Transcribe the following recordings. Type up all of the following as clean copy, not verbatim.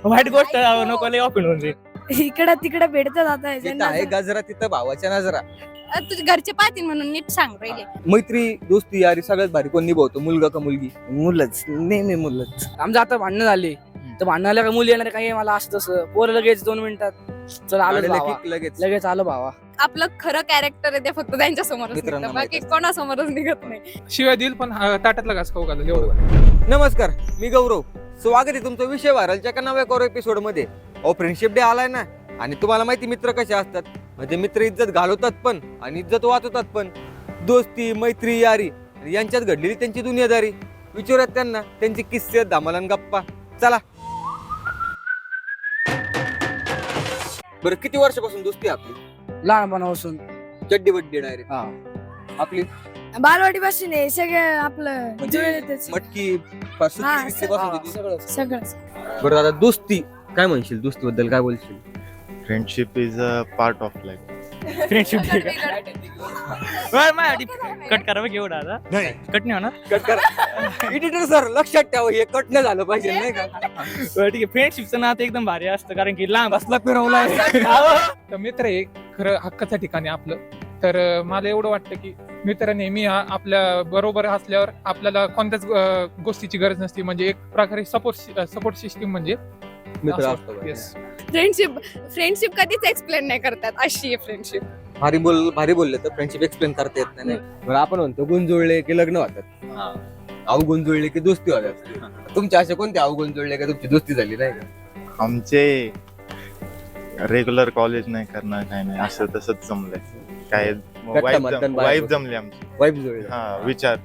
वाईट गोष्ट नको लय ऑफेंड होऊन जाईल. इकडं तिकडं भेटतात आता तिथं आहे गजरा तिथं भावाच्या नजरा. तुझे घरचे पाहतील म्हणून नीट सांग पहिले. मैत्री दोस्ती यारी सगळ्यात भारी कोण निभावतो, मुलगा का मुलगी? मुलंच नेहमी मुलंच. आमचं आता भांडणं झाली तर भांडणाला का मुली येणार काही मला असं तसं पोरं लगेच 2 मिनिटात चल आलो आलेलं भावा की लगेच लगेच आलो भावा. आपलं खरं कॅरेक्टर आहे ते फक्त त्यांच्या समोरच मित्रांना निघतं, बाकी माहित कोणासमोरच निघत नाही. शिवाय दिल पण ताटातला घास खाऊ घालेल एवढं. नमस्कार, मी गौरव. स्वागत आहे तुमचा विषय व्हायरलच्या का नव्या करो एपिसोड मध्ये. फ्रेंडशिप डे आलाय ना, आणि तुम्हाला माहिती मित्र कसे असतात. म्हणजे मित्र इज्जत घालवतात पण आणि इज्जत वाचवतात पण. दोस्ती मैत्री यारी यांच्यात घडलेली त्यांची दुनियादारी विचारत त्यांना त्यांची किस्से धमालन गप्पा. चला बरं, किती वर्षापासून दोस्ती आपली? लहानपणापासून चड्डी बड्डी डायरेक्ट हा. आपली बालवाडी पासून आहे सगळं आपलं म्हणजे जुळलेतच. मटकी हा, पासून. सगळंच. बरं आता दोस्ती काय म्हणशील, दोस्ती बद्दल काय बोलशील? Friendship is a part of life. Friendship cut करा बघ एवढा आता. कट नाही होणार. कट करा एडिटर सर, लक्षात ठेवा हे कट नाही झालं पाहिजे नाही का? बरं, ठीक आहे. फ्रेंडशिपचं नातं एकदम भारी असतं कारण की लांब बसला फिरवलाय. तर मित्र आहे खरं हक्काचं ठिकाणी आपलं. तर मला एवढं वाटतं की मित्र नेहमी आपल्या बरोबर असल्यावर आपल्याला कोणत्याच गोष्टीची गरज नसते. म्हणजे एक प्रकारे सपोर्ट सिस्टीम म्हणजे मित्र असं. असतो बघा. Yes. फ्रेंडशिप कधीच एक्सप्लेन नाही करतात, अशी आहे फ्रेंडशिप. भारी बोलले तर फ्रेंडशिप एक्सप्लेन करता येत नाही. बरं, आपण म्हणतो गुण जुळले की लग्न होतात, अवगुण जुळले की दोस्ती होतात. तुमच्या असे कोणते अवगुण जुळले का तुमची दोस्ती झाली नाही का? आमचे रेग्युलर कॉलेज नाही करणार काय नाही असं तसंच जमलंय. काय मतदान बाहेर वाईफ होतं. जमली आमची. वाईफ जुळले. हा विचार.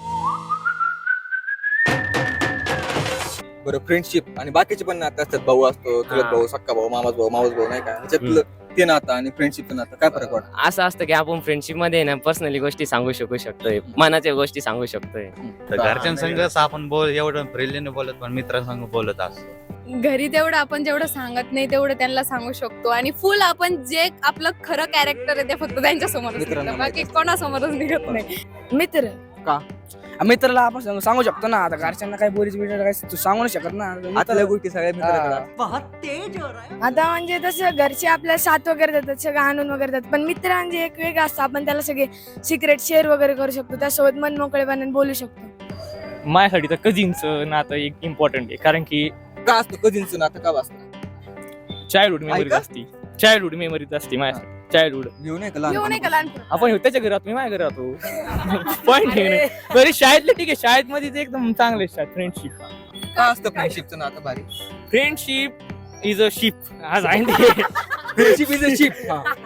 बरं, फ्रेंडशिप आणि बाकीचे पण नातं असतात. भाऊ असतो, चुलत भाऊ, सक्का भाऊ, मामाच भाऊ नाही का? ह्याच्यातलं ते नातं आणि फ्रेंडशिपचं नातं काय फरक वाटतं? असं असतं की आपण फ्रेंडशिप मध्ये ना पर्सनली गोष्टी सांगू शकतोय, मनाच्या गोष्टी सांगू शकतोय. तर घरच्यांसंग आपण एवढं फ्रेंडलीने बोलत पण मित्रांसंग बोलत असतो. घरी तेवढं आपण जेवढं सांगत नाही तेवढं त्यांना सांगू शकतो, आणि फुल आपण जे आपलं खरं कॅरेक्टर आहे ते फक्त त्यांच्या समोरच मित्रांना निघतं, बाकी कोणासमोरच निघत नाही. मित्र मित्राला आपण सांगू शकतो ना. आता घरच्यांना काय बोलीच बिलीच काय तू सांगू नाही शकत ना. आतल्या गोष्टी सगळ्या मित्राकडे. आता म्हणजे तसं घरचे आपल्याला साथ वगैरे देतात, सगळं आणून वगैरे देतात, पण मित्र म्हणजे एक वेगळं असतं. आपण त्याला सगळे सिक्रेट शेअर वगैरे करू शकतो, त्यासोबत मन मोकळेपणाने बोलू शकतो. माझ्यासाठी तर कझिनचं नातं एक इम्पॉर्टंट आहे कारण की का असतं कझिनचं नातं? का असतं? चाइल्डहुड मेमरीज ऐका? असते. चाइल्डहुड मेमरीज असते माझ्या. चाइल्डहुड घेऊ नाही का येऊ नाही का लहान? लहानपणी? आपण त्याच्या घरात, मी माझ्या घरात राहतो. पॉईंट आहे. बरी शाळेतले ठीक आहे, शाळेत मध्ये ते एकदम चांगले असतात. फ्रेंडशिप का असतं फ्रेंडशिपचं नातं भारी? Friendship is a ship. आज आहे ते. Friendship is a ship.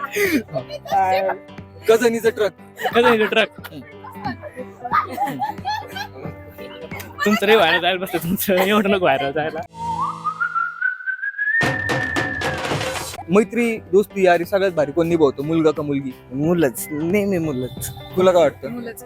Cousin is a truck. Truck. तुमचं रे व्हायला जायला बसतं, तुमचं एवढं नको व्हायला जायला. मैत्री दोस्ती यारी सगळ्यात भारी कोण निभावतो, मुलगा का मुलगी? मुलंच नेहमी मुलंच. तुला काय वाटतं? मुलंच.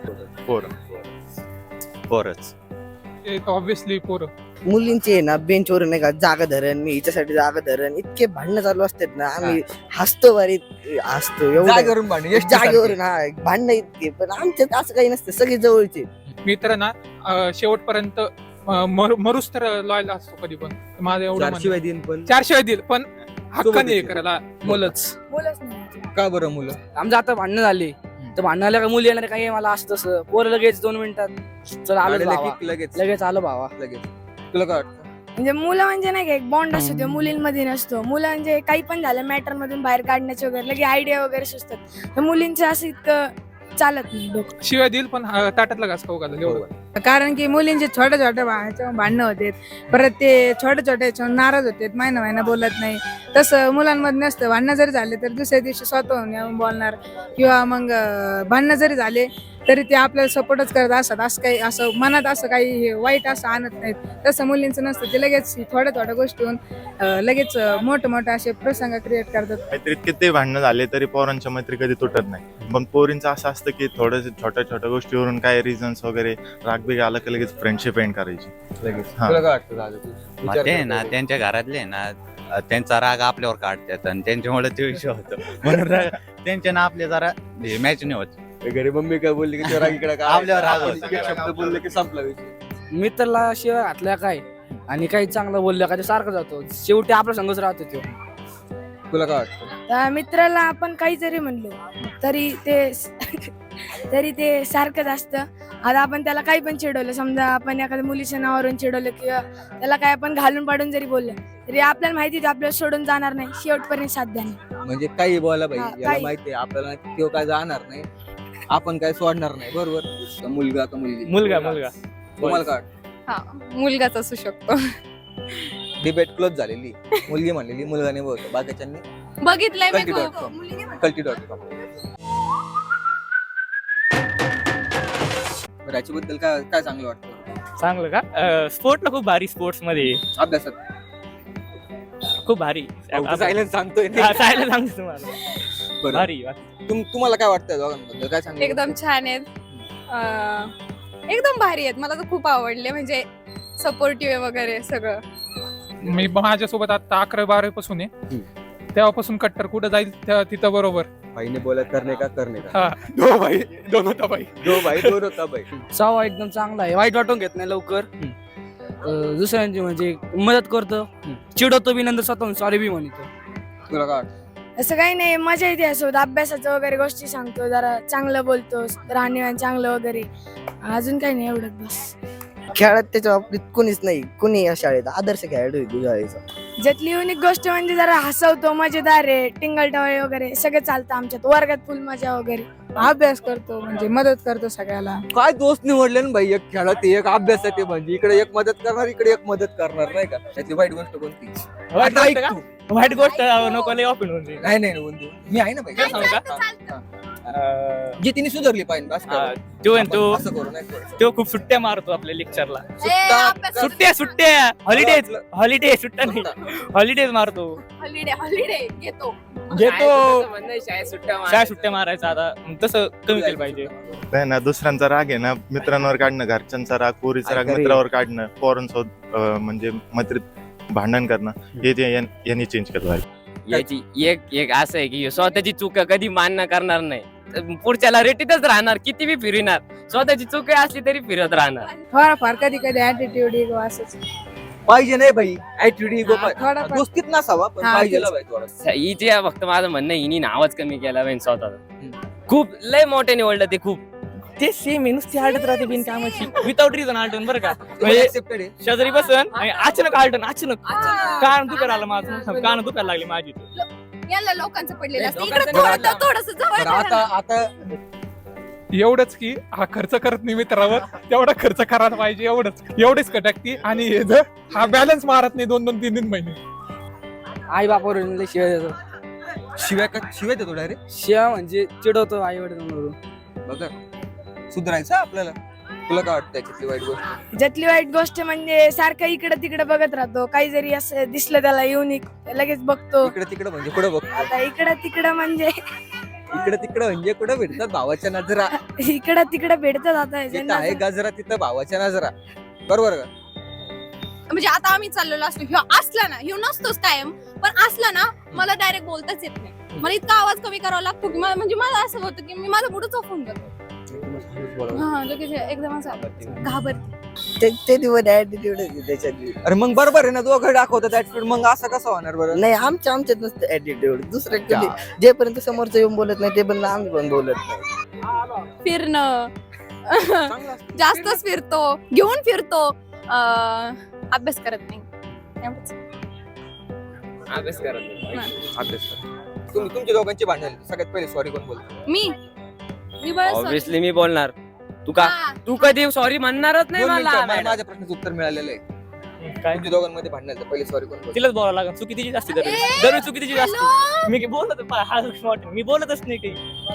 पोरच ऑब्विसली पोरं. मुलींचे आहे ना बेंचवरून नाही का जागा धरण, मी हिच्यासाठी जागा धरण, इतके भांडणं चालू असतात ना. आम्ही हसतो भारी हसतो एवढं जागेवरून भांडण, यश जागेवरून. हा भांडणं इतके, पण आमच्यात असं काही नसतं, सगळे जवळचे. मित्र ना शेवटपर्यंत मरूस तर लॉयल असतो कधी पण. माझं एवढं म्हणणं. शिवाय दिन पण 4 शिवाय दिल पण हक्काने हे सोबत करायला मुलंच. बोलच नाही. का बरं मुलं? आमचं आता भांडणं झाली तर भांडणाला का मुली येणार काही मला असं तसं पोरं लगेच 2 मिनिटात चल आलो आलेलं भावा की लगेच लगेच आलो भावा. लगेच. तुला काय वाटतं? म्हणजे मुलं म्हणजे नाही का एक बॉन्ड असतो, तो मुलींमध्ये नसतो. मुलं म्हणजे काही पण झालं मॅटर मधून बाहेर काढण्याचे वगैरे लगे आयडिया वगैरे सुचतात. तर मुलींचं असं इतकं चालत नाही डोकं. शिवाय दिल पण ताटातला घास खाऊ घालेल एवढं. कारण की मुलींचे छोटे छोटे भांडणं होते, परत ते छोटे छोटे नाराज होते, महिना बोलत नाही. तसं मुलांमध्ये नसतं. भांडणं जरी झाले तर दुसऱ्या दिवशी स्वतःहून येऊन बोलणार, किंवा मग भांडणं जरी झाले तरी ते आपल्याला सपोर्टच करत असतात. असं काही असं मनात असं काही वाईट असं आणत नाहीत. तसं मुलींचं नसतं. ते लगेच थोड्या गोष्टीहून लगेच मोठे असे प्रसंग क्रिएट करतात. मैत्रीत किती भांडणं झाले तरी पोरांच्या मैत्री कधी तुटत नाही. पण पोरींचं असं असतं की थोडं छोट्या गोष्टीवरून काय रिझन्स वगैरे रागबिग आलं की लगेच फ्रेंडशिप एंड करायची लगेच. तुला काय वाटतं दादा? तू विचार ते कर. ना त्यांच्या घरातले ना त्यांचा राग आपल्यावर काढतात आणि त्यांच्यामुळे ते विषय होतो. म्हणून त्यांच्या ना आपले जरा मॅच नाही होत. घरी मम्मी काय बोलली की राग इकडे आपल्यावर राग होतो. शब्द बोलले की संपला विषय. मित्राला शिवाय घातल्या काय आणि काही चांगलं बोललं का ते सारखं जातो, शेवटी आपला संघच राहतो तो. तुला काय वाटतं? त्या मित्राला आपण काही जरी म्हणलो तरी ते सारखंच असतं. आता आपण त्याला काही पण चिडवलं, समजा आपण एखाद्या मुलीच्या नावावरून चिडवलं किंवा त्याला काय आपण घालून पाडून जरी बोललं तरी आपल्याला माहिती आहे आपल्याला सोडून जाणार नाही, शेवटपर्यंत साथ देणार. म्हणजे काही बोला बाई, हा, याला काही. माहिती आहे आपल्याला तो काय जाणार नाही, आपण काय सोडणार नाही. बरोबर? का मुलगा का मुलगी? मुलगा तुम्हाला काय वाटतं? हा, मुलगाच असू शकतो. डिबेट क्लोज झालेली. मुलगी म्हणलेली, मुलगा नाही बोलतो, बाकीच्यांनी बघितलंय मी Culti.com. खूप. Culti.com. बरं, याच्याबद्दल काय काय चांगलं वाटतं? चांगलं का? स्पोर्टला खूप भारी, स्पोर्ट्स मध्ये अभ्यासात खूप भारी. सायलेन्स सांगतोय ना. हा, सायलेन्स सांगतो तुम्हाला. बरं. भारी. तुम्हाला काय वाटतं दोघांबद्दल? काय सांगितलं? एकदम छान आहेत, एकदम भारी आहेत. मला तर खूप आवडले, म्हणजे सपोर्टिव्ह वगैरे सगळं. मी माझ्यासोबत आता 11-12 पासून आहे, तेव्हापासून कट्टर कुठं जाईल तिथं बरोबर. भाईने बोला करणे का करणे का. हा, दो भाई दोन होता भाई. दो भाई दोन होता भाई. स्वभाव एकदम चांगला आहे, वाईट वाटून घेत नाही लवकर. दुसऱ्यांची म्हणजे मदत करतो, चिडवतो बी, नंतर स्वतःहून सॉरी बी म्हणतो. तुला काय वाटतं? असं काही नाही, मजा येते असोत. अभ्यासाचं वगैरे गोष्टी सांगतो, जरा चांगलं बोलतो, राहणीमान चांगलं वगैरे. अजून काही नाही, एवढंच बस. खेळात त्याच्या बाबतीत कोणीच नाही, कोणी या शाळेत आदर्श खेळाडू आहे तुझ्या शाळेचा. ज्यातली युनिक गोष्ट म्हणजे जरा हसवतो, मजेदार आहे, टिंगल टवळे वगैरे सगळं चालतं आमच्यात. वर्गात फुल मजा वगैरे. अभ्यास करतो, म्हणजे मदत करतो सगळ्याला. काय दोस्त निवडले ना भाई, एक खेळात एक अभ्यासात आहे, म्हणजे इकडे एक मदत करणार, इकडे एक मदत करणार, नाही का? त्याची वाईट गोष्ट कोणती? वाईट आता गोष्ट ऐक का? तू. वाईट गोष्ट नको लय ऑफिन होऊन जाईल. नाही नाही बंधू, मी आहे ना भाई. नाही, सांगू का? चालतं, चालतं. जे तिने सुधारली पाहिजे बस हा, करू. तो आहे ना, तो असं करू नाही करायचं. तो खूप सुट्ट्या मारतो आपल्या लेक्चरला. ए, अभ्यास- सुट्ट्या हॉलिडेज सुट्ट्या नाही, हॉलिडेज मारतो. हॉलिडे घेतो. घेतो शाळेत काय सुट्ट्या मारायचा आता, तसं कमी केलं पाहिजे. नाही ना, दुसऱ्यांचा राग आहे ना मित्रांवर काढणं, घरच्यांचा राग, पोरीचा राग अरे. मित्रावर काढणं, पोरांसोबत म्हणजे मैत्रीत भांडण करणं, हे ते यांनी चेंज केलं पाहिजे. याची एक असं आहे की स्वतःची चूक कधी मान्य करणार नाही, पुढच्याला रेटीतच राहणार, किती बी फिरणार, स्वतःची चूक असली तरी फिरत राहणार. थोडाफार कधी कधी ऍटिट्यूड इगो असंच. पाहिजे नाही भाई, ऍटिट्यूड इगो थोडाफार. दोस्तीत नसावा, पण हा, पाहिजे तेच. भाई थोडा. हिचे फक्त माझं म्हणणं आहे, हिने नावच कमी केला पाहिजे स्वतःचा. खूप लय मोठे निवडलं ते खूप. ते सेम आहे, नुसती आलटत राहते बिनकामाची, विदाउट रिझन आलटून बरं का. म्हणजे Accepted आहे. शेजारी बसन आणि अचानक आलटन, अचानक कान दुखायला आलं माझं, कान दुखायला लागली माझी. याला लोकांचं पडलेलं असतं. लोकांचं इकडे नाही. थोडस जवळ तर आता करा. आता एवढंच की हा खर्च करत नाही मित्रावर, तेवढा खर्च करायला पाहिजे, एवढेच कटाकती. आणि हे जर हा बॅलन्स मारत नाही 2-3 महिने. आई बापावरून लय शिवाय देतो, शिवाय देतो डायरेक्ट. शिवाय म्हणजे चिडवतो आई वडिलांवरून. बघा, सुधारायचं आपल्याला. तुला काय वाटतं त्याच्यातली वाईट गोष्ट? ज्यातली वाईट गोष्ट म्हणजे सारखं इकडे तिकडे बघत राहतो. काही जरी असं दिसलं त्याला युनिक, लगेच बघतो. इकडे तिकडे म्हणजे कुठे बघतो? आता इकडं तिकडं म्हणजे इकडे तिकडे म्हणजे कुठे भेटतात भावाच्या नजरा. इकडं तिकडं भेटतात आता जिथं ज्यांना आहे गजरा तिथं भावाच्या नजरा. बरोबर का? म्हणजे आता आम्ही चाललेलो असलो, ह्यो असला ना, ह्यो नसतोच कायम, पण असला ना, मला डायरेक्ट बोलताच येत नाही. मला इतका आवाज कमी करावा लागतो की म्हणजे मला असं होतं की मी माझा मुडच ऑफ होऊन जातो. हा, लगेच एकदम असं घाबरते. ते दिवस ऍटिट्यूड त्याच्यात. अरे मग बरोबर आहे ना, दोघं दाखवतात ऍटिट्यूड, मग असं कसं होणार बरं? नाही, आमच्यात नसतं ऍटिट्यूड. दुसऱ्या कधी जेपर्यंत समोरचं येऊन बोलत नाही ते पण आम्ही पण बोलत नाही. फिरणं चांगलं असतं. जास्तच फिरतो, घेऊन फिरतो, अभ्यास करत नाही. एवढंच. अभ्यास करत नाही. अभ्यास कर. तुमच्या दोघांची भांडण झाली. सगळ्यात पहिले सॉरी कोण बोलतो? मी बरं sorry. ऑब्विसली मी बोलणार. तू का हा. तू कधी सॉरी म्हणणारच नाही 2 मिनिटं, मला. मला माझ्या प्रश्नाचं उत्तर मिळालेलं आहे. काय तुमच्या दोघांमध्ये भांडण झालं, पहिले सॉरी कोण बोलतो? तिलाच बोलावं लागेल, चुकी तिची जास्ती ए, दरवेळी चुकी तिची जास्ती. hello? मी बोलत हा लक्ष वाटेल, मी बोलतच नाही काही.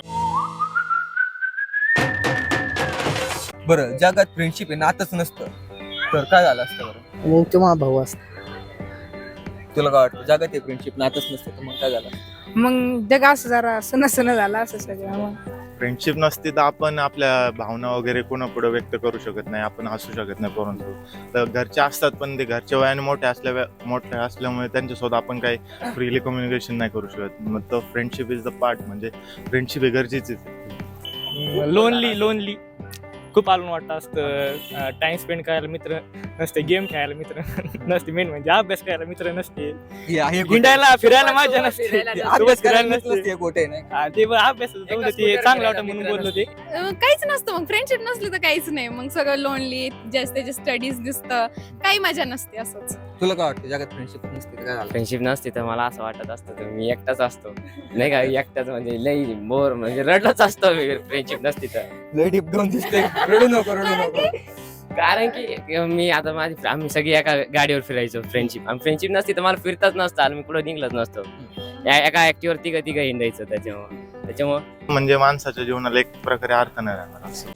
बरं, जगात फ्रेंडशिप आहे, नातच नसतं तर काय झालं असतं बरं? मग तो माझा भाऊ असतो. तुला काय वाटतं? जगात आहे फ्रेंडशिप, नातच नसतं तर मग काय झालं? मग जग असं जरा सण झाला असं सगळं. मग फ्रेंडशिप नसती तर आपण आपल्या भावना वगैरे कोणापुढे व्यक्त करू शकत नाही, आपण हसू शकत नाही परंतु. तर घरचे असतात पण ते घरच्या वयाने मोठे असल्यामुळे त्यांच्यासोबत आपण काही फ्रीली कम्युनिकेशन नाही करू शकत. मग तो फ्रेंडशिप इज द पार्ट, म्हणजे फ्रेंडशिप हे गरजेचीच आहे. लोनली खूप आलून वाटतं असतं. टाइम स्पेंड करायला मित्र नसते, गेम खेळायला मित्र नसते, मेन म्हणजे अभ्यास करायला मित्र नसते, हिंडायला फिरायला मजा नसते, अभ्यास करायला नसते. नसते गोटे नाही. हा, ते पण अभ्यास जाऊ दे, ते चांगलं वाटतं म्हणून बोललो ते. काहीच नसतं मग फ्रेंडशिप नसली तर काहीच नाही, मग सगळं लोनली, जास्त त्याचे स्टडीज दिसतं, काही मजा नसते असंच. तुला काय वाटतं जगात फ्रेंडशिप नसते तर काय झालं? फ्रेंडशिप नसती तर मला असं वाटत असतं तर मी एकटाच असतो नाही का, एकटाच म्हणजे लई बोर म्हणजे रडलाच असतो फ्रेंडशिप नसती तर. लय डीप डाऊन दिसतंय. रडू नको रडू नको. कारण की मी आता आम्ही सगळी एका गाडीवर फिरायचो फ्रेंडशिप, आणि फ्रेंडशिप नसती तर मला फिरताच नसतं आणि मी कुठं निघलंच नसतो. एका ऍक्टिव्हर तिघं हिंडायचं त्याच्यामुळं म्हणजे माणसाच्या जीवनाला एक प्रकारे अर्थ नाही राहणार असं.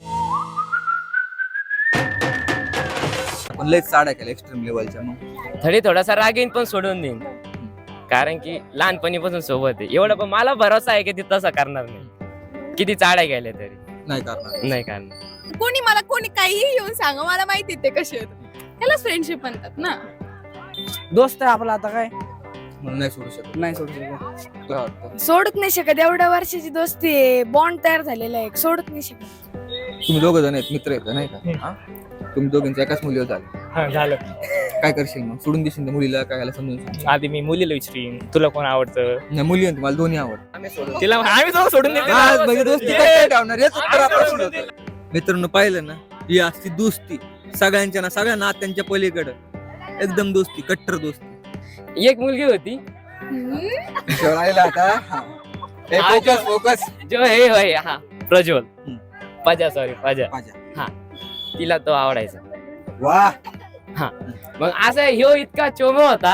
आपण लयच साड्या केल्या एक्स्ट्रीम लेवलच्या. मग थोडी थोडासा राग येईन पण सोडून देईन, कारण की लहानपणीपासून सोबत आहे एवढं, पण मला भरोसा आहे की ते तसं करणार नाही. किती चाड्या गेल्या तरी नाही करणार. नाही करणार. कोणी काहीही येऊन सांगा, मला माहिती ते कसे आहेत, त्यालाच फ्रेंडशिप म्हणतात ना. दोस्त आहे आपला, आता काय म्हणून नाही सोडू शकत. नाही सोडू शकत. तुला वाटतं सोडूच नाही शकत, एवढ्या वर्षाची दोस्ती आहे, बॉन्ड तयार झालेला आहे, सोडत नाही शकत. तुम्ही दोघं जण आहेत, मित्र आहेत नाही का? हा? तुम्ही दोघांचं एकाच मुलीवर झालं, हा, झालं. काय करशील मग? सोडून देशील त्या मुलीला? काय याला समजून सांग. आधी मी मुलीला विचारीन तुला कोण आवडतं. नाही, मुली आणि मला दोन्ही आवड. तिला आम्ही जाऊन सोडून देतो. म्हणजे दोस्ती काय ठेवणार? हेच उत्तर आपण होतं. मित्रांनो, पाहिलं ना, ही असती दोस्ती सगळ्यांच्या ना सगळ्या नात्यांच्या पलीकडं, एकदम दोस्ती, कट्टर दोस्ती. एक मुलगी होती राहिला आता. Focus focus. जो हे होय हा प्रज्वल, पाजा सॉरी पाजा, पाजा. हा तिला तो आवडायचा. वा. मग असं ह्यो इतका चोमो होता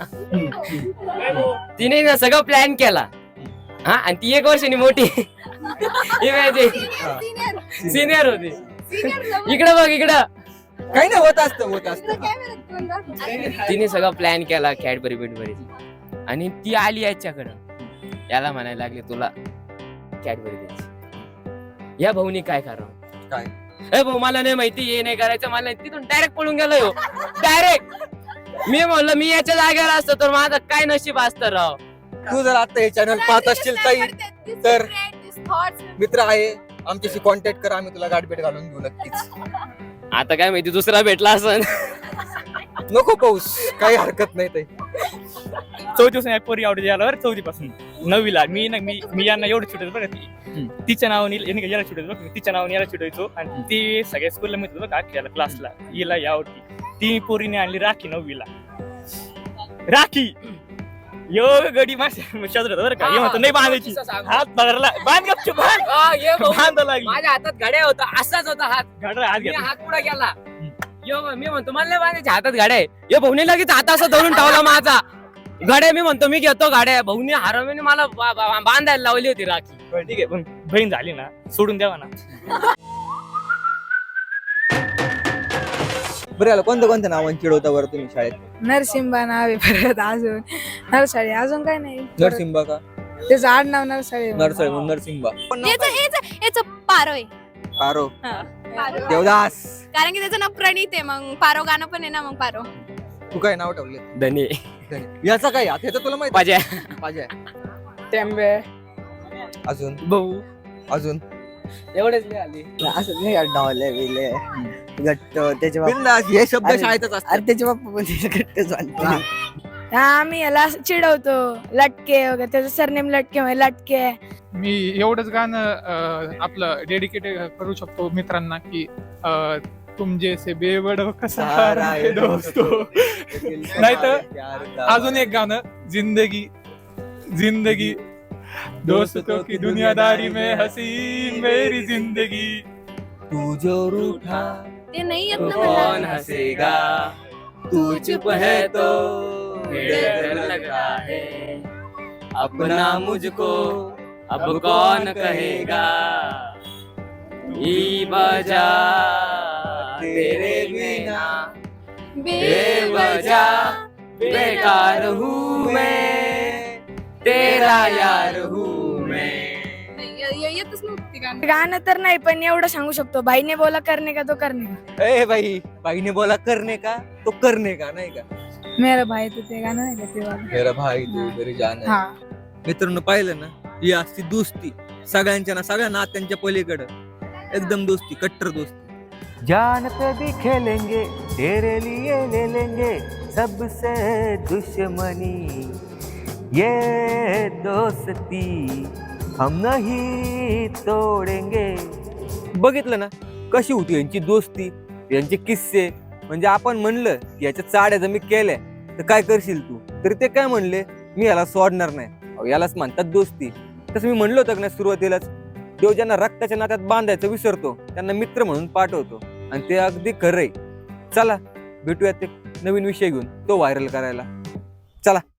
तिने ना सगळं प्लॅन केला. हा, आणि ती 1 वर्षांनी मोठी सिनियर होती. इकडं बघ इकडं, काही नाही, होत असतं. तिने सगळं प्लॅन केला कॅडबरी बिडबरी, आणि ती आली याच्याकडं, याला म्हणायला लागले तुला कॅडबरी द्यायची. या भाऊनी काय करावं? काय? ए भाऊ मला नाही माहिती, हे नाही करायचं मला नाही. तिथून डायरेक्ट पळून गेलो हो, डायरेक्ट. मी म्हणलं मी याच्या जागेवर असतो तर माझं काय नशीब असतं राव. तू जर आता हे चॅनल पाहत असशील तर मित्र आहे, आमच्याशी कॉन्टॅक्ट कर, आम्ही तुला गाठभेट घालून घेऊ नक्कीच. आता काय माहिती दुसरा भेटला असं. नको पाऊस, काही हरकत नाही ते. 4 पोरी आवडते याला, 4 पासून 9वीला मी यांना एवढं चिडवतो बघा. तिच्या नावाने याला चिडवतो बघ, तिच्या नावाने याला चिडवायचो, आणि ती सगळ्या स्कूलला मिळतो बघा, अख्ख्याला क्लासला हिला या आवडती. ती पोरीने आणली राखी 9वीला. राखी यो गडी माझ्या बरं का, हे म्हणतो नाही बांधायची, हात धरला, बांध गपचूप, बांधा लागली. माझ्या हातात घड्या होता, असाच होता हात, घडला हात घेतला. हात पुढे गेला. यो मी म्हणतो मला नाही बांधायच्या, हातात गाड्या आहे. यो भाऊने लगेच हात असं धरून ठेवला माझा. गाड्या मी म्हणतो मी घेतो गाड्या, भाऊने हरवणे मला बांधायला लावली होती राखी. ठीक आहे, पण बहीण झाली ना, सोडून द्यावा ना. बरं, याला कोणत्या नावाने चिडवता बरं तुम्ही शाळेत? नरसिंबा नाव आहे, परत अजून नरसाळी, अजून काय नाही. नरसिंबा का? त्याचं आडनाव नरसाळी. नरसळे म्हणून नरसिंबा. याचं पारो आहे. पारो. हा. देवदास. कारण की त्याचं नाव प्रणित आहे, मग पारो गाणं पण आहे ना, मग पारो. तू काय नाव ठेवले? धनी याचा काय? याचं तुला माहिती? पाजा, पाजा. टेंबे, अजून भाऊ, अजून एवढेच नाही आली. असं नाही डावले बिले गट्ट त्याचे बाप. बिनधास्त, हे शब्द अरे, शाळेतच असतात. अरे त्याचे बाप्पा पण गट्ट चालते. आम्ही याला असं चिडवतो, लटके वगैरे, त्याचं सरनेम लटके म्हणजे लटके. मी एवढंच गाणं आपलं डेडिकेट करू शकतो मित्रांना की तुम जैसे बेवडो का सहारा है दोस्तो. नाहीतर अजून एक गाणं, जिंदगी जिंदगी दोस्तों की दुनियादारी में हसीन मेरी जिंदगी. तू जो रूठा ते नाही येत तो ना कौन मला. हंसेगा, तू चुप है तो डर लगता है, अपना मुझको अब कौन कहेगा, ई बजा तेरे बिना बेवजह बेकार हूँ मैं, तेरा यार हूँ मैं. येतच नव्हती गाणं. गाणं तर नाही, पण एवढं सांगू शकतो, भाईने बोला करणे का तो करणे का. ए भाई, भाईने बोला करने का तो करने का, नाही का? मेरा भाई तर ते गाणं नाही का ते वालं. मेरा भाई तू मेरी जान है. हा. मित्रांनो, पाहिलं ना, ही असती दोस्ती सगळ्यांच्या ना सगळ्या नात्यांच्या पलीकडं, एकदम दोस्ती, कट्टर दोस्ती. जान पे भी खेलेंगे तेरे लिए ले लेंगे सबसे दुश्मनी ये दोस्ती हम नहीं तोडेंगे. बघितलं ना कशी होती यांची दोस्ती, यांचे किस्से. म्हणजे आपण म्हणलं की याच्या चाड्या जर मी केल्या तर काय करशील तू, तरी ते काय म्हणले, मी याला सोडणार नाही. अहो, यालाच म्हणतात दोस्ती. तसं मी म्हणलं होतं ना सुरुवातीलाच, देव ज्यांना रक्ताच्या नात्यात बांधायचं विसरतो त्यांना मित्र म्हणून पाठवतो. आणि ते अगदी खरंय. चला भेटूयात एक नवीन विषय घेऊन, तो व्हायरल करायला. चला.